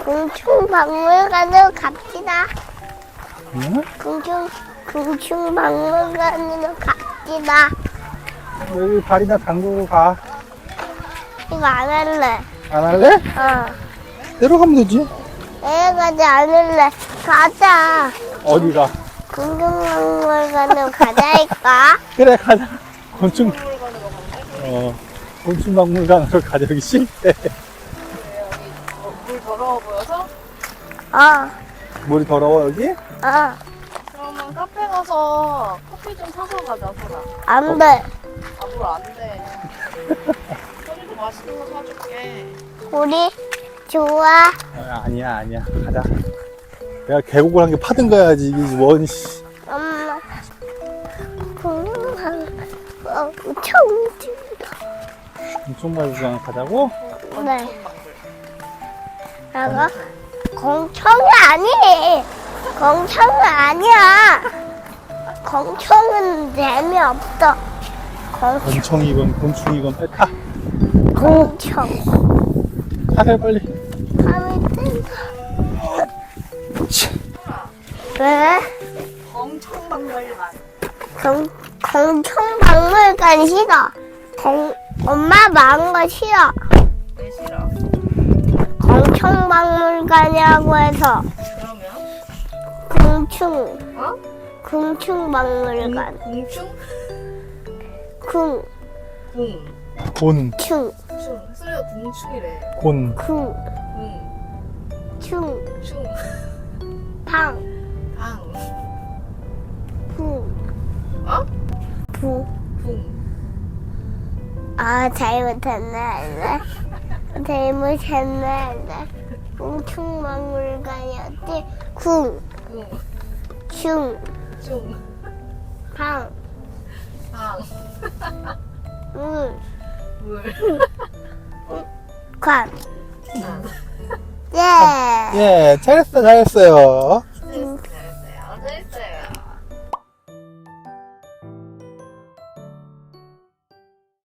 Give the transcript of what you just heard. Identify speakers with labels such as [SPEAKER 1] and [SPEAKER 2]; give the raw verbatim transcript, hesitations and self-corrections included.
[SPEAKER 1] 공충박물관으로 갑시다.
[SPEAKER 2] 응?
[SPEAKER 1] 공충, 공충박물관으로 갑시다.
[SPEAKER 2] 여기 발이나 담그고 가.
[SPEAKER 1] 이거 안 할래.
[SPEAKER 2] 안 할래?
[SPEAKER 1] 어.
[SPEAKER 2] 내려가면 되지.
[SPEAKER 1] 내려가지 않을래. 가자.
[SPEAKER 2] 어디가?
[SPEAKER 1] 공충박물관으로 가자니까.
[SPEAKER 2] 그래, 가자. 곤충, 어, 곤충박물관으로 가자. 여기 싫대.
[SPEAKER 3] 물 더러워 보여서?
[SPEAKER 1] 어.
[SPEAKER 2] 물이 더러워, 여기?
[SPEAKER 1] 어.
[SPEAKER 3] 그러면 카페 가서 커피 좀 사서 가자, 소라.
[SPEAKER 1] 안 돼.
[SPEAKER 3] 아, 물 안 돼. 소리도 맛있는 거 사줄게.
[SPEAKER 1] 우리 좋아.
[SPEAKER 2] 아, 아니야, 아니야. 가자. 내가 계곡을 한 개 파든 가야지. 이게 원, 씨.
[SPEAKER 1] 엄마. 공룡 어, 청주.
[SPEAKER 2] 곤충박물관 가자고?
[SPEAKER 1] 네. 나가 공청이 아니. 공청은 아니야. 공청은 재미없어. 공청.
[SPEAKER 2] 곤충이건 곤충이건 빨리 타.
[SPEAKER 1] 공청.
[SPEAKER 2] 타래, 빨리.
[SPEAKER 1] 밤이 뜬다. 왜?
[SPEAKER 3] 공청박물관.
[SPEAKER 1] 공, 공청박물관 싫어. 공, 엄마 마음 거 싫어.
[SPEAKER 3] 왜 싫어?
[SPEAKER 1] 공청박물관이라고 해서.
[SPEAKER 3] 그러면?
[SPEAKER 1] 공충.
[SPEAKER 3] 어?
[SPEAKER 1] 공충박물관.
[SPEAKER 3] 공충?
[SPEAKER 1] 궁,
[SPEAKER 3] 궁.
[SPEAKER 2] 곤,
[SPEAKER 1] 충,
[SPEAKER 3] 충. 소리가 궁충이래.
[SPEAKER 2] 곤,
[SPEAKER 1] 궁,
[SPEAKER 3] 궁.
[SPEAKER 1] 충,
[SPEAKER 3] 충.
[SPEAKER 1] 방,
[SPEAKER 3] 방.
[SPEAKER 1] 부,
[SPEAKER 3] 어?
[SPEAKER 1] 부.
[SPEAKER 3] 궁.
[SPEAKER 1] 아, 잘못했네. 잘못했네. 공충박물관이었지. 궁,
[SPEAKER 3] 궁.
[SPEAKER 1] 충,
[SPEAKER 3] 충.
[SPEAKER 1] 방,
[SPEAKER 3] 방.
[SPEAKER 1] 물,
[SPEAKER 3] 물.
[SPEAKER 1] 관.
[SPEAKER 2] 아.
[SPEAKER 1] 예.
[SPEAKER 2] 예, 잘했어, 잘했어요.
[SPEAKER 3] 잘했어요. 잘했어요. 잘했어요.